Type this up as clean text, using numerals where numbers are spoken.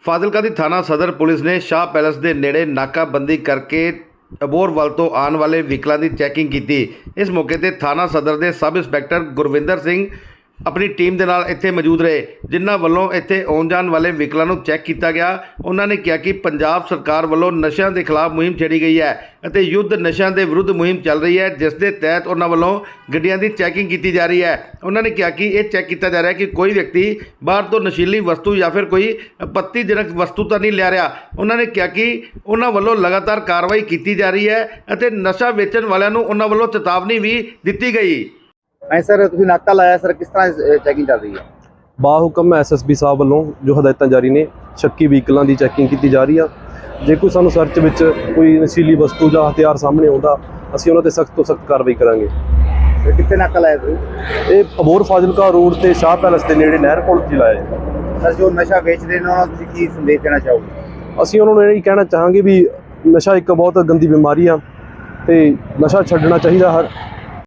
ਫਾਜ਼ਿਲਕਾ ਦੀ ਥਾਣਾ ਸਦਰ ਪੁਲਿਸ ਨੇ ਸ਼ਾਹ ਪੈਲੇਸ ਦੇ ਨੇੜੇ ਨਾਕਾਬੰਦੀ ਕਰਕੇ ਅਬੋਹਰਵਲ ਤੋਂ ਆਉਣ ਵਾਲੇ ਵਹੀਕਲਾਂ ਦੀ ਚੈਕਿੰਗ ਕੀਤੀ। ਇਸ ਮੌਕੇ ਤੇ ਥਾਣਾ ਸਦਰ ਦੇ ਸਬ ਇੰਸਪੈਕਟਰ ਗੁਰਵਿੰਦਰ ਸਿੰਘ ਆਪਣੀ ਟੀਮ ਦੇ ਨਾਲ ਇੱਥੇ ਮੌਜੂਦ ਰਹੇ, ਜਿਨ੍ਹਾਂ ਵੱਲੋਂ ਇੱਥੇ ਆਉਣ ਜਾਣ ਵਾਲੇ ਵਹੀਕਲਾਂ ਨੂੰ ਚੈੱਕ ਕੀਤਾ ਗਿਆ। ਉਹਨਾਂ ਨੇ ਕਿਹਾ ਕਿ ਪੰਜਾਬ ਸਰਕਾਰ ਵੱਲੋਂ ਨਸ਼ਿਆਂ ਦੇ ਖਿਲਾਫ ਮੁਹਿੰਮ ਛੇੜੀ ਗਈ ਹੈ ਅਤੇ ਯੁੱਧ ਨਸ਼ਿਆਂ ਦੇ ਵਿਰੁੱਧ ਮੁਹਿੰਮ ਚੱਲ ਰਹੀ ਹੈ, ਜਿਸ ਦੇ ਤਹਿਤ ਉਹਨਾਂ ਵੱਲੋਂ ਗੱਡੀਆਂ ਦੀ ਚੈਕਿੰਗ ਕੀਤੀ ਜਾ ਰਹੀ ਹੈ। ਉਹਨਾਂ ਨੇ ਕਿਹਾ ਕਿ ਇਹ ਚੈੱਕ ਕੀਤਾ ਜਾ ਰਿਹਾ ਹੈ ਕਿ ਕੋਈ ਵਿਅਕਤੀ ਬਾਹਰ ਤੋਂ ਨਸ਼ੀਲੀ ਵਸਤੂ ਜਾਂ ਫਿਰ ਕੋਈ ਆਪੱਤੀਜਨਕ ਵਸਤੂ ਤਾਂ ਨਹੀਂ ਲਿਆ ਰਿਹਾ। ਉਹਨਾਂ ਨੇ ਕਿਹਾ ਕਿ ਉਹਨਾਂ ਵੱਲੋਂ ਲਗਾਤਾਰ ਕਾਰਵਾਈ ਕੀਤੀ ਜਾ ਰਹੀ ਹੈ ਅਤੇ ਨਸ਼ਾ ਵੇਚਣ ਵਾਲਿਆਂ ਨੂੰ ਉਹਨਾਂ ਵੱਲੋਂ ਚੇਤਾਵਨੀ ਵੀ ਦਿੱਤੀ ਗਈ। ਸਰ ਤੁਸੀਂ ਨਾਕਾ ਲਾਇਆ ਸਰ, ਕਿਸ ਤਰ੍ਹਾਂ ਚੈਕਿੰਗ ਚੱਲ ਰਹੀ ਹੈ? ਬਾਹੁਕਮ ਐਸਐਸਪੀ ਸਾਹਿਬ ਵੱਲੋਂ ਜੋ ਹਦਾਇਤਾਂ ਜਾਰੀ ਨੇ, ਸ਼ੱਕੀ ਵਹੀਕਲਾਂ ਦੀ ਚੈਕਿੰਗ ਕੀਤੀ ਜਾ ਰਹੀ ਆ। ਜੇ ਕੋਈ ਸਾਨੂੰ ਸਰਚ ਵਿੱਚ ਕੋਈ ਨਸ਼ੀਲੀ ਵਸਤੂ ਜਾਂ ਹਥਿਆਰ ਸਾਹਮਣੇ ਆਉਂਦਾ, ਅਸੀਂ ਉਹਨਾਂ ਤੇ ਸਖਤ ਤੋਂ ਸਖਤ ਕਾਰਵਾਈ ਕਰਾਂਗੇ। ਕਿੱਥੇ ਨਾਕਾ ਲਾਇਆ ਤੁਸੀਂ? ਇਹ ਅਬੋਹਰ ਫਾਜ਼ਿਲਕਾ ਰੋਡ ਤੇ ਸ਼ਾਹ ਪੈਲੇਸ ਦੇ ਨੇੜੇ ਨਹਿਰ ਪੁਲ 'ਤੇ ਲਾਇਆ ਜੀ। ਸਰ ਜੋ ਨਸ਼ਾ ਵੇਚਦੇ ਨੇ ਉਹਨਾਂ ਨੂੰ ਤੁਸੀਂ ਕੀ ਸੰਦੇਸ਼ ਦੇਣਾ ਚਾਹੋਗੇ? ਅਸੀਂ ਉਹਨਾਂ ਨੂੰ ਇਹ ਕਹਿਣਾ ਚਾਹਾਂਗੇ ਵੀ ਨਸ਼ਾ ਇੱਕ ਬਹੁਤ ਗੰਦੀ ਬਿਮਾਰੀ ਆ ਤੇ ਨਸ਼ਾ ਛੱਡਣਾ ਚਾਹੀਦਾ।